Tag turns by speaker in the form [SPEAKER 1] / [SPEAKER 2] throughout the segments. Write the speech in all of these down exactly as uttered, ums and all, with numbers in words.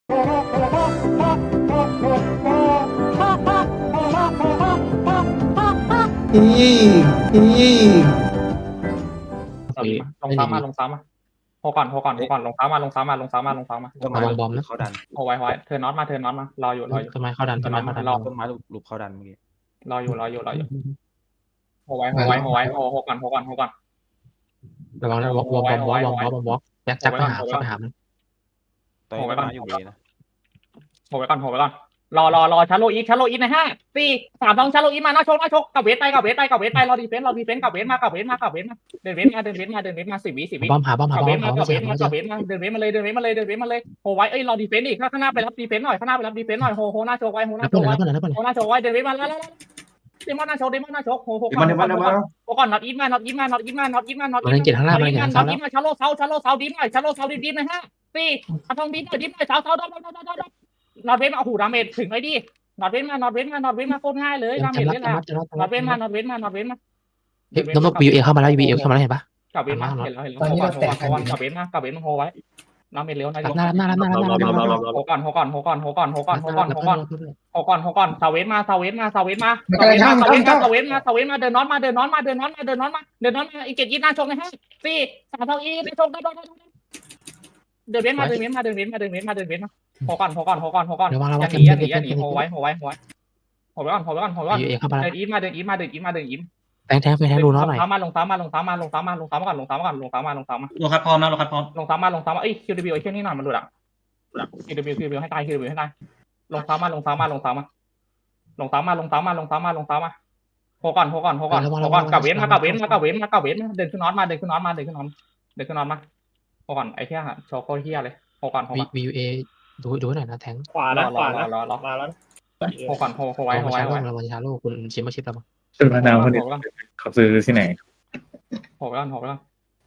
[SPEAKER 1] อีอี
[SPEAKER 2] สวิตลงซ้ำมาลงซ้ำมาโฮก่อนโฮก่อนโฮก่อนลงซ้ำมาลงซ้ำมาลงซ้ำมาลงซ้ำมา
[SPEAKER 3] ต้นไม้บอมนะเขาดัน
[SPEAKER 2] โฮไว้ไว้เธอน็อตมาเธอน็อตมารออยู่รออยู่
[SPEAKER 3] ต้นไม้เขาดันต้นไม้เขาดัน
[SPEAKER 2] รอ
[SPEAKER 3] ต้นไม้หลุบเขาดันเมื่อกี้
[SPEAKER 2] รออยู่รออยู่รออยู่โฮไว้โฮไว้โฮไว้โฮโฮก่อนโฮก่อนโฮก่อน
[SPEAKER 3] ระวังนะวอล์กวอล์กวอล์กวอล์กวอล์กวอล์กแจ็คแจ็คไปหาเข้าไปหามัน
[SPEAKER 4] ตอนนี้ต้นไม้อยู่เวนะ
[SPEAKER 2] โฮไว้ก่อนโฮไว้ก่อนรอรอรอชาโลอีชาโลอีในห้าสี่สามสองชาโลอีมาหน้าชกหน้าชกกับเวทไปกับเวทไปกับเวทไปรอดีเฟนส์รอดีเฟนส์กับเวทมากับเวทมากับเวทมาเดินเวทมาเดินเวทมาเดินเวทมาสิบวิสิบวิ
[SPEAKER 3] บอมหาบอมหา
[SPEAKER 2] กับบ
[SPEAKER 3] อ
[SPEAKER 2] เว
[SPEAKER 3] ม
[SPEAKER 2] ท
[SPEAKER 3] หา
[SPEAKER 2] มา
[SPEAKER 3] บอ
[SPEAKER 2] กั
[SPEAKER 3] ม
[SPEAKER 2] บเวท
[SPEAKER 3] หา
[SPEAKER 2] มากับเวทมาเดินเวทมาเลยเดินเวทมาเลยเดินเวทมาเลยโฮไว้เอ้ยรอดีเฟนส์อีกข้างหน้าไปรับดีเฟนส์หน่อยข้างหน้าไปรับดีเฟนส์หน่อยโฮโฮหน้าโชกไว้โฮห
[SPEAKER 3] แล้
[SPEAKER 2] น้าว โช
[SPEAKER 3] เพื่อน
[SPEAKER 2] กไว้
[SPEAKER 3] แล้วเพื่อนแล้วเพื่อน
[SPEAKER 2] โฮหน้าโชกไว้เดินเวทมาแล้วแล้วเดมอนหน้าโชกเดมอนหน้าโชกโฮโฮ
[SPEAKER 1] เดี๋ยวมันเดี๋ยวมันเดี๋ยวมัน
[SPEAKER 2] โฮก่อนน็อตอีทมาน็อตอีทมาน็อตอีทมาน็อตอีทมาน็อต
[SPEAKER 3] มันเล่นเกียร์ข้างล่างมันเล่นเกียร์
[SPEAKER 2] น็อ
[SPEAKER 3] ข้าง
[SPEAKER 2] ต
[SPEAKER 3] ล่าง
[SPEAKER 2] อีทมาชาโลเซาชาโลเซาดีหน่อยชาโลเซาดีดีหน่อยฮะสี่ทองดีหน่อยดีหน่อยเซาเซาดอดดอดดอดดอดน็อตเวทมาโอ้โหดาเมจถึงไอ้ดิน็อตเวทมาน็อตเวทมาน็อตเวทมาโคตรง่ายเลยดาเมจเล่นแล้วน็อตเวทมาน็อตเวทมาน็อตเวทมา
[SPEAKER 3] เฮ้ยน้องบีเอเข้ามาแล้วบีเอเข้ามาแล้วเห็นปะ
[SPEAKER 2] กับเวทมาเห็นแล้วเห็นแล้วโฮก่อนโฮก่อนโฮก่อนกับเวทมากับเวทมาโฮไว้ดาเมจเร็วนะ
[SPEAKER 3] หน้าหน้าหน้าหน้าหน้าหน้าหน้า
[SPEAKER 2] โฮก่อนโฮก่อนโฮก่อนโฮก่อนโฮก่อนโฮก่อนโฮก่อนโฮก่อนโฮก่อนซาเวทมาซาเวทมาซาเวทมาซาเวทมาซาเวทมาซาเวทมาซาเวทมาเดินน็อตมาเดินน็อตมาเดินน็อตมาเดินน็อตมาเดินน็อตมาอีกเจ็ดยี่หน้าชกนะฮะสี่สามสองอีในชกได้ได้ได้เดินเว้นมาเดินเว้นมาเดินเว้นมาเดินเว้นมาเดินเว้นมาโฮก่อนโฮก่อนโฮก่อนโฮก่อนอย่าหนีอย่าหนีอย่าหนีโฮไว้โฮไว้โฮไว้โฮไว้ก่อนโฮไว้ก่อนโฮไว้ก่อน
[SPEAKER 3] บีเอเข้ามาแล้ว
[SPEAKER 2] เดินอีมาเดินอีมาเดินอีมาเดินอีม
[SPEAKER 3] แทงแทงไปแทงดูน้องหน่อย
[SPEAKER 2] ลงซ้ำมาลงซ้ำมาลงซ้ำมาลงซ้ำมาลงซ้ำมาก่อนลงซ้ำมาก่อนลงซ้ำมาลงซ้ำมา
[SPEAKER 5] ลงคัดพร้อมนะลงคัดพร้อม
[SPEAKER 2] ลงซ้ำมาลงซ้ำมาเอ้ย คิว ดับเบิลยู ไอ้เชี่ยนี่หน่อยมันหลุดอ่ะ คิว ดับเบิลยู คิว ดับเบิลยู ให้ตาย คิว ดับเบิลยู ให้ตายลงซ้ำมาลงซ้ำมาลงซ้ำมาลงซ้ำมาลงซ้ำมาลงซ้ำมาลงซ้ำมาโฮก่อนโฮก่อนโฮก่อนโฮก่อนกับเว้นมากับเว้นมากับเว้นมากับเว้นเดินขึ้นน็อตมาเดินขึ้นน็อตมาเดินขึ้นน็อตเดินขึ้นน็อตมาโฮก่อนไอ้เหี้ยโชว์โคตรเหี้ยเลยโฮก่อนโฮ
[SPEAKER 3] บี
[SPEAKER 2] ก่อน
[SPEAKER 3] บีเอดูดูหน่อยนะแทง
[SPEAKER 5] ขวาร นะ
[SPEAKER 2] อ
[SPEAKER 5] ขวาร
[SPEAKER 2] อ
[SPEAKER 5] นะ
[SPEAKER 2] รอรอ
[SPEAKER 5] มาแล้ว
[SPEAKER 2] โฮก่อนโฮโฮไว้โฮ
[SPEAKER 3] มา
[SPEAKER 2] ไว้
[SPEAKER 3] ชา
[SPEAKER 2] โฮ
[SPEAKER 3] โล
[SPEAKER 2] ไว้
[SPEAKER 3] มาชาโลคุณชิมมาชิปแล้วมั้ง
[SPEAKER 1] เป็นมะนาวคนนี้เขาซื้อที่ไหน
[SPEAKER 2] โฮไว้ก่อนโฮไว้ก่อน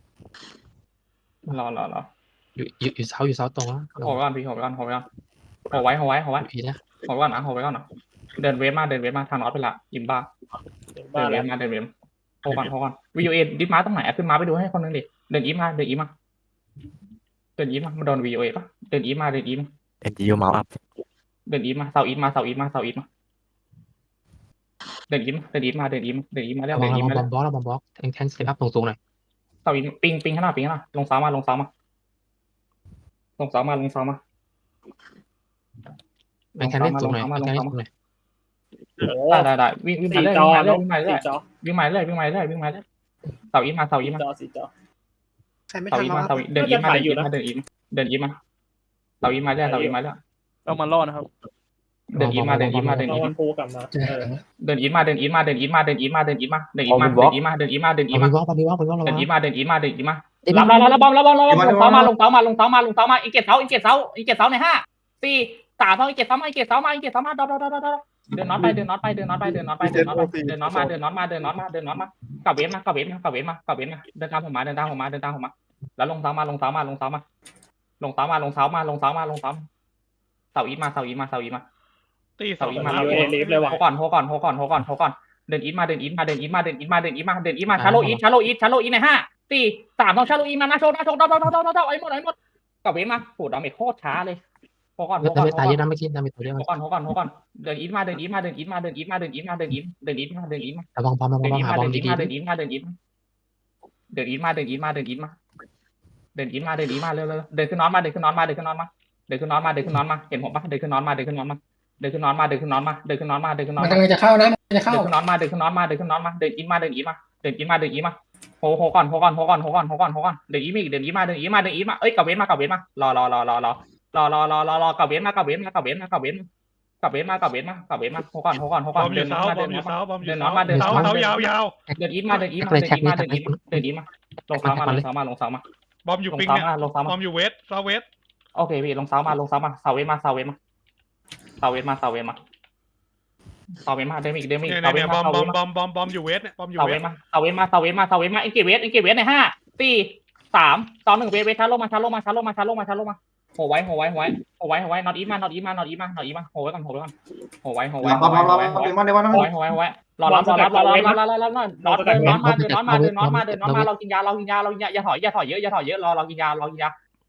[SPEAKER 2] รอรอรอ
[SPEAKER 3] อยู่อยู่อยู่เซาอยู่เซาตรงแล้ว
[SPEAKER 2] โฮไว้ก่อนพี่โฮไว้ก่อนโฮไว้ก่อนโฮไว้โฮไว้โฮไว้
[SPEAKER 3] บีนะ
[SPEAKER 2] โฮไว้ก่อนนะโฮไว้ก่อนนะเดินเวฟมาเดินเวฟมาทางน็อตไปละยิมบ้า
[SPEAKER 5] มา
[SPEAKER 2] เดินเว
[SPEAKER 5] แล้ว
[SPEAKER 2] ฟมาเดินเวฟโฮก่อนโฮก่อนวีโอเอดิฟมาตรงไหนขึ้นมาไปดูให้คนนึงดิเดินอีมาเดินอีมาเดินอีมามาโดนวีโอเอปะเดินอีมาเดินอีมา
[SPEAKER 4] เอ็นจียูเมาส์อัพ
[SPEAKER 2] เดินอีมาเสาอีมาเสาอีมาเสาอีมาเดินอีมาเดินอีมาเดินอีมาเดินอีมาแล้ว
[SPEAKER 3] ระวั
[SPEAKER 2] เดิ
[SPEAKER 3] ง
[SPEAKER 2] นอี
[SPEAKER 3] ระวั
[SPEAKER 2] มาง
[SPEAKER 3] บ
[SPEAKER 2] แล้
[SPEAKER 3] อ
[SPEAKER 2] ว
[SPEAKER 3] มบอสระวังบอสแทงแทงสเตปอัพตรงๆหน่อย
[SPEAKER 2] เสาอีปิงปิงข้างหน้าปิงข้างหน้าลงซ้ำมาลงซ้ำมาลงซ้ำมาลงซ้ำมา
[SPEAKER 3] แทงแทงเล่นตรงหน่อยแทงเล่นตรงหน่อย
[SPEAKER 5] โอ้
[SPEAKER 2] ได้ได้ได้วิ่งวิ่งมา
[SPEAKER 5] สี่
[SPEAKER 2] เรื่อย
[SPEAKER 5] จอ
[SPEAKER 2] วิ่งมาเรื่อย
[SPEAKER 5] สี่จอ
[SPEAKER 2] วิ่งมาเรื่อยวิ่งมาเรื่อยวิ่งมาเรื่อยเสาอีมาเสาอี
[SPEAKER 5] สี่
[SPEAKER 2] มา
[SPEAKER 5] จอสี่จอ
[SPEAKER 6] ใครไม่
[SPEAKER 2] เสา
[SPEAKER 6] ทัน
[SPEAKER 2] อี
[SPEAKER 6] แล้ว
[SPEAKER 2] มา
[SPEAKER 6] ครับ
[SPEAKER 2] เสาอีเดินอีมาเดินอีมาเดินอีมาเดินอีมาเสาอีมาเรื่อยเสาอีมาเรื่อย
[SPEAKER 5] ต้องมารอดนะครับ
[SPEAKER 2] เดินอีมาเดินอีมาเดิน
[SPEAKER 5] เรา
[SPEAKER 2] อี
[SPEAKER 5] วั
[SPEAKER 2] มาน
[SPEAKER 5] พูกลับมาเออ
[SPEAKER 2] เดินอีมาเดินอีมาเดินอีมาเดินอีมาเดินอีมาเดินอีมาเดินอีมาเดินอีมาเดินอีมาเดินอี
[SPEAKER 3] เอา
[SPEAKER 2] มา
[SPEAKER 3] ไปวอล์กไปวอล์กไปวอล์กระ
[SPEAKER 2] เดิ
[SPEAKER 3] วัน ง
[SPEAKER 2] อีมาเดินอีมาเดินอีมารับรับรับบอมรับบอมรับบอมลงเสามาลงเสามาลงเสามาลงเสามาลงเสามาอีกเจ็ดเสาอีกเจ็ดเสาอีกเจ็ดเสาในห้าสี่สามสองอีกเจ็ดเสามาอีกเจ็ดเสามาอีกเจ็ดเสามาดอดอดอดอดอเดินน็อตไปเดินน็อตไปเดินน็อตไปเดินน็อตไปเดินน็อตไปเดินน็อตมาเดินน็อตมาเดินน็อตมาเดินน็อตมากับเวฟมากับเวฟมากับเวฟมากับเวฟมาเดินตามผมมาเดินตามผมมาเดินตามผมมาแล้วลงเสามาลงเสามาลงเสามาลงเสามาลงเสามาลงเสามาลงเสาเสาอีมาเสาอีมาเสาอีมา
[SPEAKER 5] ตีเสาอีมาเอลิฟเลยว่ะ
[SPEAKER 2] โฮก่อนโฮก่อนโฮก่อนโฮก่อนโฮก่อนเดินอีทมาเดินอีทมาเดินอีทมาเดินอีทมาเดินอีทมาเดินอีทมาชาโลอีทชาโลอีทชาโลอีทในห้าสี่สามต้องชาโลอีทมาหน้าโชว์หน้าโชว์ดาวดาวดาวดาวดาวไอ้หมดไอ้หมดกับเวมาโหดาเมจโคตรช้าเลยโฮก่อนโฮ
[SPEAKER 3] แล้ว
[SPEAKER 2] ก่อน
[SPEAKER 3] ไม่
[SPEAKER 2] โฮ
[SPEAKER 3] ตาย
[SPEAKER 2] ก่
[SPEAKER 3] เย
[SPEAKER 2] อน
[SPEAKER 3] อะนะเมื่อกี้นะมีตัวเดียว
[SPEAKER 2] โฮก่อนโฮก่อนโฮก่อนเดินอีทมาเดินอีทมาเดินอีทมาเดินอีทมาเดินอีทมาเดินอีทเดินอีทมาเดินอีทมา
[SPEAKER 3] ระวังบอมระวั
[SPEAKER 2] เดิ
[SPEAKER 3] ง
[SPEAKER 2] น
[SPEAKER 3] บอ
[SPEAKER 2] อี
[SPEAKER 3] ม
[SPEAKER 2] ท
[SPEAKER 3] หา
[SPEAKER 2] มา
[SPEAKER 3] บอ
[SPEAKER 2] เดิ
[SPEAKER 3] ม
[SPEAKER 2] นอีท
[SPEAKER 3] ดี
[SPEAKER 2] มาเดินอีทมาเดินอีทเดินอีทมาเดินอีทมาเดินอีทมาเดินอีทมาเดินอีทมาเร็วๆเดินขึ้นน็อตมาเดินขึ้นน็อตมาเดินขึ้นน็อตมาเดินขึ้นน็อตมาเดินขึ้นน็อตมาเห็นผมปะเดินขึ้นน็อตมาเดินขึ้นน็อตมาเดินขึ้นน็อตมาเดินขึ้นน็อตมาเดินขึ้นน็อตมาเดินขึ้นน็อ
[SPEAKER 6] มั
[SPEAKER 2] ต
[SPEAKER 6] น
[SPEAKER 2] มา
[SPEAKER 6] กำลังจะเข้านะมันจะเข้า
[SPEAKER 2] เดินขึ้นน็อตมาเดินขึ้นน็อตมาเดินขึ้นน็อตมาเดินอีมาเดินอีมาเดินอีมาเดินอีมาโฮโฮก่อนโฮก่อนโฮก่อนโฮก่อนโฮก่อนโฮก่อนเดินอีมาอีกเดินอีมาเดินอีมาเดินอีมาเอ้ยกับเว้นมากับเว้นมารอรอรอรอรอรอรอรอรอรอกับเว้นมากับเว้นมากับเว้นมากับเว้นกับเว้นมากับเว้นมากับเว้นมาโฮก่อนโฮก่อนโฮ
[SPEAKER 5] บ
[SPEAKER 2] ก่อ
[SPEAKER 5] อน มอ
[SPEAKER 2] เดิ
[SPEAKER 5] ยู่
[SPEAKER 2] น
[SPEAKER 5] เสา
[SPEAKER 2] มา
[SPEAKER 5] บ
[SPEAKER 2] เดิ
[SPEAKER 5] อม
[SPEAKER 2] น
[SPEAKER 5] อยู่
[SPEAKER 2] มา
[SPEAKER 5] เสาบอมอยู่
[SPEAKER 2] เดิน
[SPEAKER 5] เสา
[SPEAKER 2] น็อตมาเดิน
[SPEAKER 5] เสา
[SPEAKER 2] น็อต
[SPEAKER 5] เสา
[SPEAKER 2] มา
[SPEAKER 5] ยาวยาว
[SPEAKER 2] เดินอีมาเดินอีมาเดินอีมาเดินอีมาเดินอีมาลงเสามาลงเสามาลงเสามา
[SPEAKER 5] บอมอยู่
[SPEAKER 2] ลง
[SPEAKER 5] ปิง
[SPEAKER 2] เสา
[SPEAKER 5] เนี่ย
[SPEAKER 2] มาลงเสา
[SPEAKER 5] บ
[SPEAKER 2] มา
[SPEAKER 5] อมอยู่เวสเสาเวส
[SPEAKER 2] โอเคพี่ลงเสามาลงเสามาเสาเวมาเสาเวมาเสาเวมาเสาเวมาเสาเวมาเดมิกเดมิก
[SPEAKER 5] เนี่ย
[SPEAKER 2] เสาเว
[SPEAKER 5] เนี่ยบ
[SPEAKER 2] มา
[SPEAKER 5] อม
[SPEAKER 2] เสา
[SPEAKER 5] บ
[SPEAKER 2] เว
[SPEAKER 5] อม
[SPEAKER 2] มา
[SPEAKER 5] บอมบอมบอมอยู่เวสเนี่ยบอมอยู่
[SPEAKER 2] เสา
[SPEAKER 5] เว
[SPEAKER 2] เว
[SPEAKER 5] ส
[SPEAKER 2] มาเสาเวมาเสาเวมาเสาเวมาเสาเวมาอินเกเวสอินเกเวสในห้าสี่สามสองหนึ่งเวทเวทชาร์โลมาชาร์โลมาชาร์โลมาชาร์โลมาโหไว้โหไว้โหไว้โหไว้โหไว้นอตอีมานอตอีมานอตอีมานอตอีมาโหไว้ก่อนโหไว้ก่อนโหไว้โหไว้
[SPEAKER 1] รอ
[SPEAKER 2] โห
[SPEAKER 1] รอ
[SPEAKER 2] ไว้
[SPEAKER 1] ร
[SPEAKER 2] โห
[SPEAKER 1] อ
[SPEAKER 2] ไว้
[SPEAKER 1] รอเดี๋ยวมันเดี๋ยวมัน
[SPEAKER 2] โหไว้โหไว้โหไว้รอรับรอรับรอรับรอรับรอรับรอรับเดินน็อตมาเดินน็อตมาเดินน็อตมาเดินน็อตมาเรากินยาเรากินยาเรากินยาอย่าถอยอย่าถอยเยอะอย่าถอยเยอะรอเรากินยาเรากินยา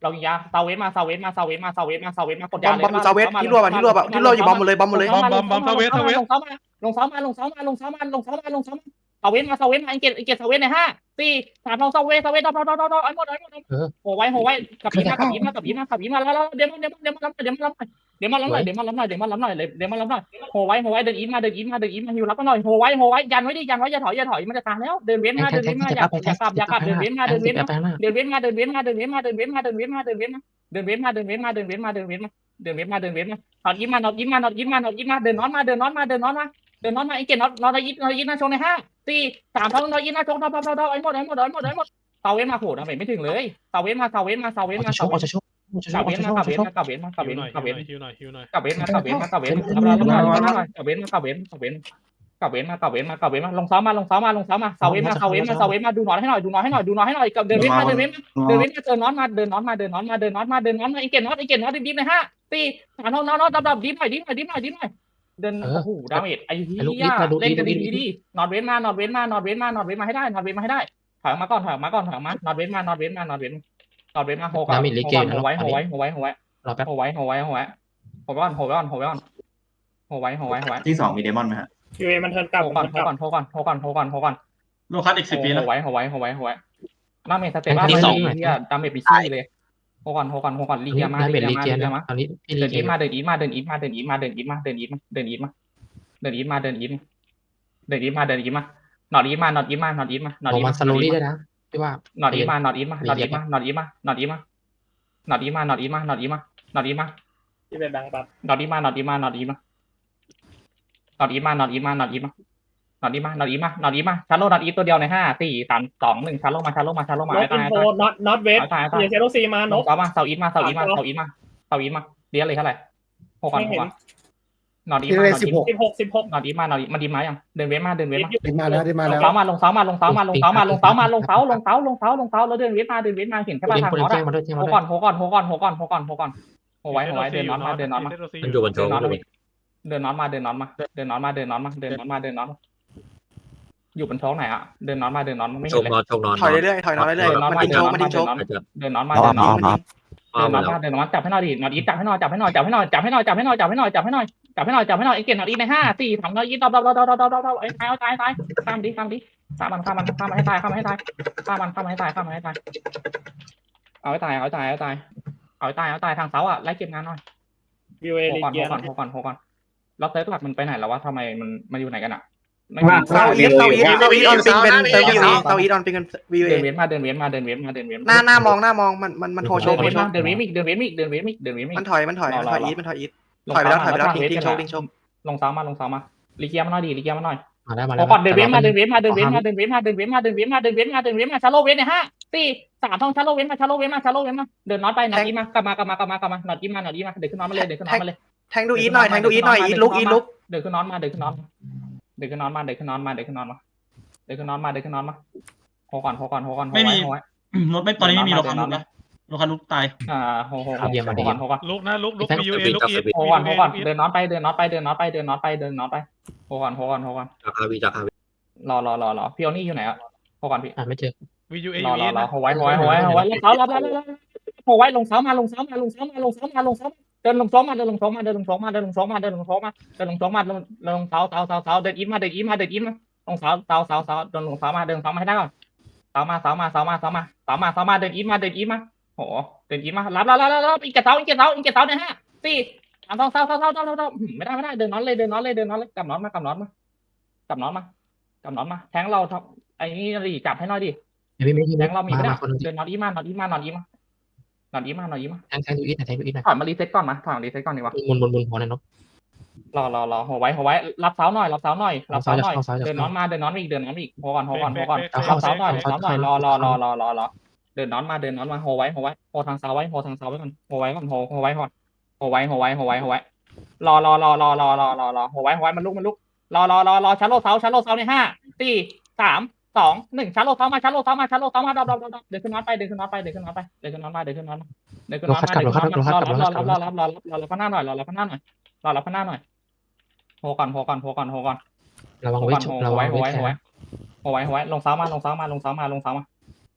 [SPEAKER 2] เรายิงยาเซาเวสมาเซาเวสมาเซาเวสมาเซาเวสมาเซาเวสมากด
[SPEAKER 6] บ
[SPEAKER 2] ยา
[SPEAKER 6] อม
[SPEAKER 2] เลย
[SPEAKER 6] บอมเซาเวสที่รวบอะที่รวบอะที่รวบอยู่บอมหมดเลยบอมหมดเลย
[SPEAKER 2] ลงเซามาลงเซามาลงเซามาลงเซามาลงเซามาลงเซามาลงเซามาลงเซามาลงเซามาเซาเวสมาเซาเวสมาอิงเกตอิงเกตเซาเวสในห้าสี่สามสองเซาเวสเซาเวสดอดอดอดอไอ้หมดไอ้หมดโหไว้โหไว้กับยีมากับยีมากับยีมากับยีมาแล้วแล้วเดี๋ยวมันเดี๋ยวมันเดี๋ยวมันเดี๋ยวมันเดี๋ยวมันล้ำหน่อยเดี๋ยวมันล้ำหน่อยเดี๋ยวมันล้ำหน่อยเดี๋ยวมันล้ำหน่อยโหไว้โหไว้เดินอีทมาเดินอีทมาเดินอีทมาฮิวรับกันหน่อยโหไว้โหไว้ยันไว้ดิยันไว้อย่าถอยอย่าถอยมันจะตายแล้วเดินเว้นมาเดินเว้นมาอย่าอย่ากลับอย่ากลับเดินเว้นมาเดินเว้นมาเดินเว้นมาเดินเว้นมาเดินเว้นมาเดินเว้นมาเดินเว้นมาเดินเว้นมาเดินเว้นมาเดินเว้นมาเดินเว้นมาเดินเว้นมาเดินเว้นมาเดินเว้นมาถอดยิ้มมาถอดยิ้มมาถอดยิ้มมาถอดยิ้มมาเดินน็อตมาเดินน็อตมาเดินน็อตมาเดินน็อตมาไอ้เกศน็อตน็อตยิ้มน็อตยิ้มหน้าชงในห้าสี่สามสองน็อตยิ้มหน้าชงดอดอดอไอ้หมดไอ้หมดไอ้หมดไอ้หมดเซาเว้นมาโหดไม่ถึงเลยเซาเว้นมาเซาเว้นมาเซาเว้นมา
[SPEAKER 3] จะชกจะชกจะช
[SPEAKER 2] กับ
[SPEAKER 3] ก
[SPEAKER 2] เว้น
[SPEAKER 3] จะช
[SPEAKER 2] มาก กับ
[SPEAKER 3] จะ
[SPEAKER 2] เว้น
[SPEAKER 3] ชก
[SPEAKER 2] มากับเว้นมากับ
[SPEAKER 5] ฮิว
[SPEAKER 2] เว้น
[SPEAKER 5] หน่อย
[SPEAKER 2] กับเว้น
[SPEAKER 5] ฮิวหน่อยฮิวหน่อย
[SPEAKER 2] กับเว้นมากับเว้นมากับเว้นรับรับรับกับเว้นมากับเว้นกับเว้นกับเว้นมากับเว้นมากับเว้นมาลงซ้อมมาลงซ้อมมาลงซ้อมมาเซาเว้นมาเซาเว้นมาเซาเว้นมาดูน็อตให้หน่อยดูน็อตให้หน่อยดูน็อตให้หน่อยกับเดินเว้นมาเดินเว้นมาเดินเว้นมาเดินน็อตมาเดินน็อตมาเดินน็อตมาเดินน็อตมาเดินน็อตมาไอเกตน็อตไอเกตน็อตดิบในห้าสี่สามน็อตน็อตน็อตดับดับดิบหน่อยดิบหน่อยดิบหน่อยดิบหน่อยเดินโอ้โหดาเมจไอ้เหี้ยเล่นกันดีดีน็อตเว้นมาน็อตเว้นมาน็อตเว้นมาน็อตเว้นมาให้ได้น็อตเว้นมาให้ได้ถอยมาก่อนถอยมาก่อนถอยมาน็อตเว้นมาน็อตเว้นมาน็อตเว้นน็อตเว้นมาโหก่อนโหไว้โหไว้โหไว้โหไว้
[SPEAKER 3] รอแป๊บ
[SPEAKER 2] โหไว้โหไว้โหไว้โหไว้ก่อนโหไว้ก่อนโหไว้ก่อนโหไว้โหไว้โหไว้
[SPEAKER 7] ที่สองมีเดมอนไหมฮะ
[SPEAKER 5] ยูเอมันเทิร์นกลับ
[SPEAKER 2] โหก่อนโหก่อนโหก่อนโหก่อนโหก่อนโหก่อน
[SPEAKER 7] โลคัสอีกสิบปี
[SPEAKER 2] โห
[SPEAKER 7] นะ
[SPEAKER 2] ไว้โหไว้โหไว้โหไว้ดาเมจสเตปบ้าเลยเนี่ยดาเมจปีซี่เลยโหก่อนโหก่อนโหก่อนลีเกียมา
[SPEAKER 3] ดาเม
[SPEAKER 2] ลี
[SPEAKER 3] จ
[SPEAKER 2] เกี
[SPEAKER 3] ลี
[SPEAKER 2] ยมา
[SPEAKER 3] เจีย
[SPEAKER 2] ลี
[SPEAKER 3] น
[SPEAKER 2] เกียมา
[SPEAKER 3] ตอนนี้พี่ลี
[SPEAKER 2] เดิน
[SPEAKER 3] เจี
[SPEAKER 2] อี
[SPEAKER 3] ยน
[SPEAKER 2] ทมาเดินอีทมาเดินอีทมาเดินอีทมาเดินอีทมาเดินอีทมาเดินอีทมาเดินอีทมาเดินอีทมาเดินอีทมาเดินอีทมาเดินอีทมานอดอีทมานอดอีทมานอดอีทมานอด
[SPEAKER 3] โอ้
[SPEAKER 2] อีท
[SPEAKER 3] มันสโลลี่ได้นะพี่ว่าน
[SPEAKER 2] อดอีทมานอดอีทมานอดอีทมานอดอีทมานอดอีทมานอดอีทมานอดอีทมานอดอีทมานอดอีทมา
[SPEAKER 5] ที่เป็นแบงค์ปั๊บ
[SPEAKER 2] นอดอีทมานอดอีทมานอดอีทมานอดอีทมานอดอีทมานอดอีทมานอดอีทมานอดอีทมานอดอีทมาชาร์โลนอดอีทตัวเดียวในห้าสี่สามสองหนึ่งชาร์โลมาชาร์โลมาชาร์โลมา
[SPEAKER 5] ล็อก
[SPEAKER 2] ตา
[SPEAKER 5] อิ
[SPEAKER 2] ย
[SPEAKER 5] นโฟ
[SPEAKER 2] ตาย
[SPEAKER 5] น็อตน็อตเวส
[SPEAKER 2] ตายตาย
[SPEAKER 5] เยเซโรซีมานก
[SPEAKER 2] เสามาเสาอีทมาเสาอีทมาเสาอีทมาเสาอีทมาเรียนเลยเท่าไหร่หกก่อนหกก่อนนอดอีทมานอดอีท
[SPEAKER 5] สิบหกสิบหก
[SPEAKER 2] นอดอีทมานอดอีทมาดีมายังเดินเว้นมาเดินเว้นมา
[SPEAKER 8] ได้มาแล้วได้มา
[SPEAKER 2] ล
[SPEAKER 8] แล้
[SPEAKER 2] ง
[SPEAKER 8] ว
[SPEAKER 2] เสามาลงเสามาลงเสามาลงเสามาลงเสามาลงเสาลงเสาลงเสาลงเสาแล้วเดินเว้นมาเดินเว้นมาเห็นแค่
[SPEAKER 3] โปร
[SPEAKER 2] ว่า
[SPEAKER 3] เจก
[SPEAKER 2] ทาง
[SPEAKER 3] ต์โปร
[SPEAKER 2] น็อต
[SPEAKER 3] เจกต์
[SPEAKER 2] อะ
[SPEAKER 3] มาด้วยเจียงมา
[SPEAKER 2] โห
[SPEAKER 3] ด้วย
[SPEAKER 2] ก่อนโหก่อนโหก่อนโหก่อนโหก่อนโหก่อนโหไว้โหไว้เดินน็อตมาเดินน็อตมา
[SPEAKER 4] มันอยู่บนโช
[SPEAKER 2] เดิน
[SPEAKER 4] ว์
[SPEAKER 2] น็อตมาเดินน็อตมาเดินน็อตมาเดินน็อตมาเดินน็อตมาเดินน็อตมาเดินน็อตอยู่บนท้องไหนอะเดินน็อตมาเดินน็อตไม่
[SPEAKER 4] โช
[SPEAKER 2] เห็น
[SPEAKER 4] ว์
[SPEAKER 2] เลย
[SPEAKER 4] นอนโชว์นอน
[SPEAKER 6] ถอยเรื่อยๆถอยนอนเรื่อยๆมันดิ้นโชกมันดิ้นโชก
[SPEAKER 2] เดินน็อตมาเดินน็อตมาเดินน็อตมาเดินน็อตมาจับให้หน่อยดิน็อตอีจับให้หน่อยจับให้หน่อยจับให้หน่อยจับให้หน่อยจับให้หน่อยจับให้หน่อยจับให้หน่อยจับให้หน่อยจับให้หน่อยไอ้เก่งน็อตอีในห้าสี่สามน็อตอีดอบดอบดอบดอบดอบดอบไอ้ตายเอาตายตายข้ามดิข้ามดิข้ามมันข้ามมันข้ามมันให้ตายข้ามมันให้ตายข้ามมันข้ามมันให้ตายข้ามมันให้ตายเอาให้ตายเอาให้ตายเอาให้ตายเอาให้ตายเอาให้ตายทางเสาอ่ะไล่เก็บงานหน่อย
[SPEAKER 5] ยูเอ
[SPEAKER 2] โห
[SPEAKER 5] ลี
[SPEAKER 2] ก่อน
[SPEAKER 5] เกี
[SPEAKER 2] โห
[SPEAKER 5] ย
[SPEAKER 2] ก่อนโหก่อนโหก่อนแล้วเซิร์ฟหลักมันไปไหนแล้ววะทำไมมันมันอยู่ไหนกันอ่ะไม่
[SPEAKER 6] เซาอีทเซาอีทเซาอีทออนปิงเป็นเซาอีทเซาอีทออนปิงเป็นวีเอ
[SPEAKER 2] เดินเว้นมาเดินเว้นมาเดินเว้นมาเดินเว้น
[SPEAKER 6] หน้าหน้ามองหน้ามองมันมันมันโฮโช
[SPEAKER 2] เดิ
[SPEAKER 6] ก
[SPEAKER 2] น
[SPEAKER 6] มัน
[SPEAKER 2] เว้น
[SPEAKER 6] โช
[SPEAKER 2] มาก เดินเว้นอีกเดินเว้นอีกเดินเว้นอีกเดินเว้นอีกเดินเว้นอีก
[SPEAKER 6] มันถอยมันถอยมันถอยอีทมันถอยอีทถอยไปแล้วถอยไปแล้วทิ้งทิ้งโชกทิ้งโชก
[SPEAKER 2] ลงเสามาลงเสามาลิเกียมาหน่อยดิลิเกียมาหน่อย
[SPEAKER 3] มาแล้วมา
[SPEAKER 2] โห
[SPEAKER 3] แล้ว
[SPEAKER 2] ก่อนเดินเว้นมาเดินเว้นมาเดินเว้นมาเดินเว้นมาเดินเว้นมาเดินเว้นมาเดินเว้นมาเดินเว้นมาชาโลเว้นในห้าสี่สามท่องชาโลเว้นมาชาโลเว้นมาชาโลเว้นมาเดินน็อตไปน็อตอีมากลับมากลับมากลับมากลับมาน็อตอีมาน็อตอีมาเดินขึ้นน็อตมาเลยเดินขึ้นน็อตมาเลย
[SPEAKER 6] แทงดูอีทหน่อยแทงดูอีทหน่อยอีทลุกอีทลุก
[SPEAKER 2] เดินขึ้นน็อตมาเดินขึ้นน็อตเดินขึ้นน็อตมาเดินขึ้นน็อตมาเดินขึ้นน็อตมาเดินขึ้นน็อตมาเดินขึ้นน็อตมาโหก่อนโหก่อนโหก่อนโหไว้โหไว้
[SPEAKER 7] รถไม่ตอนนี้ไม่มีโลคัสลุกนะโลคัสลุกตาย
[SPEAKER 2] อ่าโหโหโหก่อนโหก่อน
[SPEAKER 5] ลุกนะลุกลุกมียูเอลุกอีท
[SPEAKER 2] โหก่อนโหก่อนเดินน็อตไปเดินน็อตไปเดินน็อตไปเดินน็อตไปเดินน็อตไปโหก่อนโหก่อนโหก่อน
[SPEAKER 4] จากอาวีจากอาวี
[SPEAKER 2] รอรอรอรอพี่โอนี่อยู่ไหนอ่ะโหก่อนพี่
[SPEAKER 3] อ่าไม่เจอ
[SPEAKER 5] วียูเอ
[SPEAKER 2] รอ
[SPEAKER 5] ยู
[SPEAKER 2] ร
[SPEAKER 5] เอ
[SPEAKER 2] อรอโหไว้โหไว้โหไว้โหไว้ลงเสารับรับรับโหไว้ลงเสามาลงเสามาลงเสามาลงเสามาลงเสาเดินลงเสามาเดินลงเสามาเดินลงเสามาเดินลงเสามาเดินลงเสามาเดินลงเสามาลงลงเสาเสาเสาเสาเดินอีมาเดินอีมาเดินอีมาลงเสาเสาเสาเสาเดินลงเสามาเดินเสามาให้ได้ก่อนเสามาเสามาเสามาเสามาเสามาเสามาเดินอีมาเดินอีมาโหเดินอีมารับรับรับรับอีกเสาอีกเสาอีกเสาเนี่ยฮะสี่สามสองเสาเสาเสาเสาเสาไม่ได้ไม่ได้เดินน็อตเลยเดินน็อตเลยเดินน็อตเลยกลับน็อตมากลับน็อตมากลับน็อตมากลับน็อตมาแทงเราไอ้นี่ดิจับให้หน่อยดิ
[SPEAKER 3] ไม่ไม่ไม่
[SPEAKER 2] แทงเรามี
[SPEAKER 3] มา
[SPEAKER 2] ไม่ได้
[SPEAKER 3] มาคน
[SPEAKER 2] เดินนอนอีมานอนอีมานอนอีมานอนอีมานอนอีมา
[SPEAKER 3] แทงแทงดูอีทแทงดูอีทหน่อย
[SPEAKER 2] ถอยมารีเซ็ตก่อนมาถอยมารีเซ็ตก่อนดีกว่า
[SPEAKER 3] มุนมุนมุนหัวหน่อยนก
[SPEAKER 2] รอรอรอหัวไว้หัวไว้รับเสาหน่อยรับเสาหน่อยรับเสาหน่อย
[SPEAKER 3] เอาเสาจะ
[SPEAKER 2] เดินนอนมาเดินนอนอีกเดินนอนอีกหัวก่อนหัวก่อนหัวก่อน
[SPEAKER 3] เอา
[SPEAKER 2] รับ
[SPEAKER 3] เสา
[SPEAKER 2] เสาหน่อย
[SPEAKER 3] เอา
[SPEAKER 2] เสา
[SPEAKER 3] เสา
[SPEAKER 2] หน่อยรอรอ
[SPEAKER 3] เอา
[SPEAKER 2] รอ
[SPEAKER 3] เสาร
[SPEAKER 2] อรอรอเดินนอนมาเดินนอนมาหัวไว้หัวไว้หัวทางเสาไว้หัวทางเสาไว้ก่อนหัวไว้ก่อนหัวหัวไว้ก่อนหัวไว้หัวไว้หัวไว้หัวไว้รอรอรอรอรอรอรอรอหัวไว้หัวไว้มันลุกมันลุกรอรอรอรอชาร์โลเสาชาร์โลเสาในห้าสี่สามสองหนึ่งชาร์โลเสามาชาร์โลเสามาชาร์โลเสามาดับดับดับเดินขึ้นน็อตไปเดินขึ้นน็อตไปเดินขึ้นน็อตไปเดินขึ้นน็อตมาเดินขึ้นน็อตมาเดินขึ้นน็อตมาเดินขึ้นน็อตมารอรับรอรับรอรับรอรับรอรับข้างหน้าหน่อยรอรับข้างหน้าหน่อยรอรับข้างหน้าหน่อยโหก่อนโหก่อนโหก่อนโหก่อน
[SPEAKER 3] ระวัง
[SPEAKER 2] โห
[SPEAKER 3] เว
[SPEAKER 2] ก่อ
[SPEAKER 3] ท
[SPEAKER 2] นโห
[SPEAKER 3] ระวั
[SPEAKER 2] ไว้
[SPEAKER 3] ง
[SPEAKER 2] โห
[SPEAKER 3] เว
[SPEAKER 2] ไว้
[SPEAKER 3] ท
[SPEAKER 2] โหไว้โหไว้โหไว้ลงเสามาลงเสามาลงเสามาลงเสามา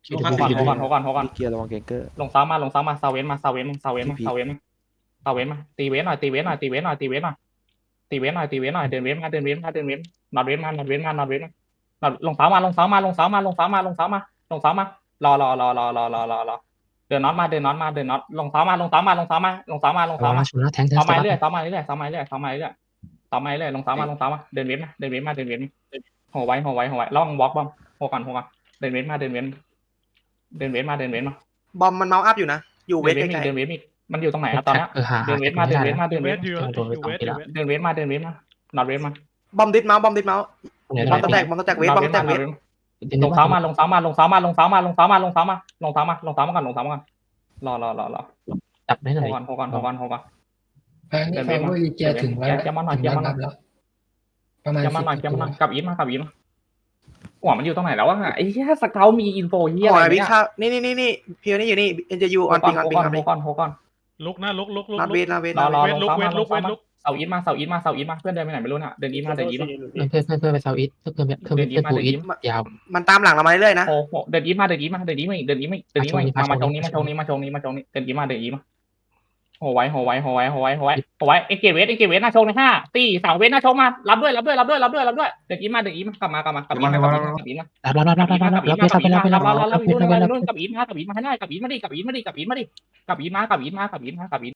[SPEAKER 7] ลูคัส
[SPEAKER 2] โฮ
[SPEAKER 7] ติด
[SPEAKER 2] ก่อนโฮก่อนโฮก่อนโฮก่อน
[SPEAKER 4] เกียร์ระวังเกงเกอร์
[SPEAKER 2] ลงซ้ำมาลงซ้ำมาซาเวนมาซาเวนมาซาเวนมาซาเวนมาซาเวนมาตีเวนหน่อยตีเวนหน่อยตีเวนหน่อยตีเวนหน่อยตีเวนหน่อยตีเวนหน่อยเดินเวนมาเดินเวนมาเดินเวนนอดเวนมานอดเวนมานอดเวนมานอดลงซ้ำมาลงซ้ำมาลงซ้ำมาลงซ้ำมาลงซ้ำมาลงซ้ำมารอรอรอรอรอรอรอรอเดินน็อตมาเดินน็อตมาเดินน็อตลงซ้ำมาลงซ้ำมาลงซ้ำมาลงซ้ำมาลง
[SPEAKER 3] ระวัง
[SPEAKER 2] ซ้ำมา
[SPEAKER 3] นะชนนะแทงแทง
[SPEAKER 2] ซ้ำมาเรื่อยซ้ำมาเรื่อยซ้ำมาเรื่อยซ้ำมาเรื่อยซ้ำมาเรื่อยลงซ้ำมาลงซ้ำมาเดินเวนมาเดินเวนมาเดินเวนโหไว้โหไว้โหไว้ระวังบล็อกบอมโหก่อนโหก่อนเดินเวนมาเดินเวนเดินเวนมาเดินเวนมา
[SPEAKER 6] บอมมันเมาส์อัพอยู่นะอยู่เว
[SPEAKER 2] เดิ
[SPEAKER 6] ท
[SPEAKER 2] นเวน
[SPEAKER 6] ไกล
[SPEAKER 2] เดินเวนมันอยู่ตรงไหนอะตอนนี้
[SPEAKER 3] เออหา
[SPEAKER 2] เดินเวทมาเดินเวทมาเดิน
[SPEAKER 5] เว
[SPEAKER 2] เว
[SPEAKER 5] ท
[SPEAKER 2] ท
[SPEAKER 5] อยู่
[SPEAKER 3] โดนไป
[SPEAKER 5] อยู่
[SPEAKER 3] สอง
[SPEAKER 5] เวท
[SPEAKER 3] ที
[SPEAKER 5] อยู่
[SPEAKER 3] แล้ว
[SPEAKER 5] เวท
[SPEAKER 2] เดินเวทมาเดินเวทมานอดเวทมา
[SPEAKER 6] ๆบอมดิสเมาส์บอมดิสเมาส์
[SPEAKER 3] เนี่ย
[SPEAKER 6] บอมตะแตกบอมตะแตกเวทบอมตะแตกเวท
[SPEAKER 2] ลงเท้ามาลงเท้ามาลงเท้ามาลงเท้ามาลงเท้ามาลงเท้ามาลงเท้ามาลงเท้ามาก่อนลงเท้ามาก่อนรอรอรอรอ
[SPEAKER 3] จับได้ห
[SPEAKER 2] โห
[SPEAKER 3] น่อย
[SPEAKER 2] ก่อนโหก่อนโหก่อนโหก่อน
[SPEAKER 8] แพงนี่ฟังว่าลีเจียถึงแล้ว
[SPEAKER 2] แกมาหน่อยแกมาหน่อย
[SPEAKER 8] แล้วประมาณ
[SPEAKER 2] แกมาหน่อยแกมาหน่อยกลับอีทมากลับอีทมาหัวมันอยู่ตรงไหนแล้ววะไอ้เหี้ยสเกลมีอินโฟเหี้ย
[SPEAKER 6] โอ้
[SPEAKER 2] อะไร
[SPEAKER 6] ยวิ
[SPEAKER 2] เนี่ย
[SPEAKER 6] ชานี่นี่นี่นี่เพียวนี่อยู่นี่เอ็นจะยูออน
[SPEAKER 2] โห
[SPEAKER 6] ปิง
[SPEAKER 2] ก่
[SPEAKER 6] อ
[SPEAKER 2] อ
[SPEAKER 6] อน นปิง
[SPEAKER 2] โห
[SPEAKER 6] ออน
[SPEAKER 2] ก่
[SPEAKER 6] ปิ
[SPEAKER 2] อน
[SPEAKER 6] ง
[SPEAKER 2] โหก่อนโหก่อน
[SPEAKER 5] ลุกนะลุกลุกลุก
[SPEAKER 6] นาเวทนาเวท
[SPEAKER 2] รอ
[SPEAKER 6] นาร
[SPEAKER 2] อ
[SPEAKER 6] เวท
[SPEAKER 2] ลงเท้ามาลงเท้ามาเสาอีทมาเสาอีทมาเสาอีทมาเพื่อนเดินไปไหนไม่รู้น่ะเดินอีทมาเดินอีทมา
[SPEAKER 3] เพื่อนเพื่อนเพื่อนไปเซาอีทเพื่อนเพื่อนเพื่อนเพื่อนปูอีทยาว
[SPEAKER 6] มันตามหลังเรามาเรื่อยๆนะ
[SPEAKER 2] โอ้โหเดินอีทมาเดินอีทมาเดินอีทมาเดินอีทมาเดินอีทมามาตรงนี้มาตรงนี้มาตรงนี้มาตรงนี้เดินอีทมาเดินอีทมาโหไว้โหไว้โหไว้โหไว้โหไว้โหไว้เอ็กเกตเวสเอ็กเกตเวสหน้าชงในห้าตีสามเวสหน้าชงมารับด้วยรับด้วยรับด้วยรับด้วยรับด้วยเดินอีทมาเดินอีทมากลับมากลับมากลับอีทมากลับอีทมา
[SPEAKER 3] รับรับรับรับรับรับรับไปรับไปรับไปรับ
[SPEAKER 2] รับ
[SPEAKER 3] รับ
[SPEAKER 2] รับ
[SPEAKER 3] ไป
[SPEAKER 2] รับ
[SPEAKER 3] รับไปรับ
[SPEAKER 2] กับอีทมากกับอีทมาให้ได้กับอีทมาดิกับอีทมาดิกับอีทมาดิกับอีทมากกับอีทมากกับอีทมากกับอีท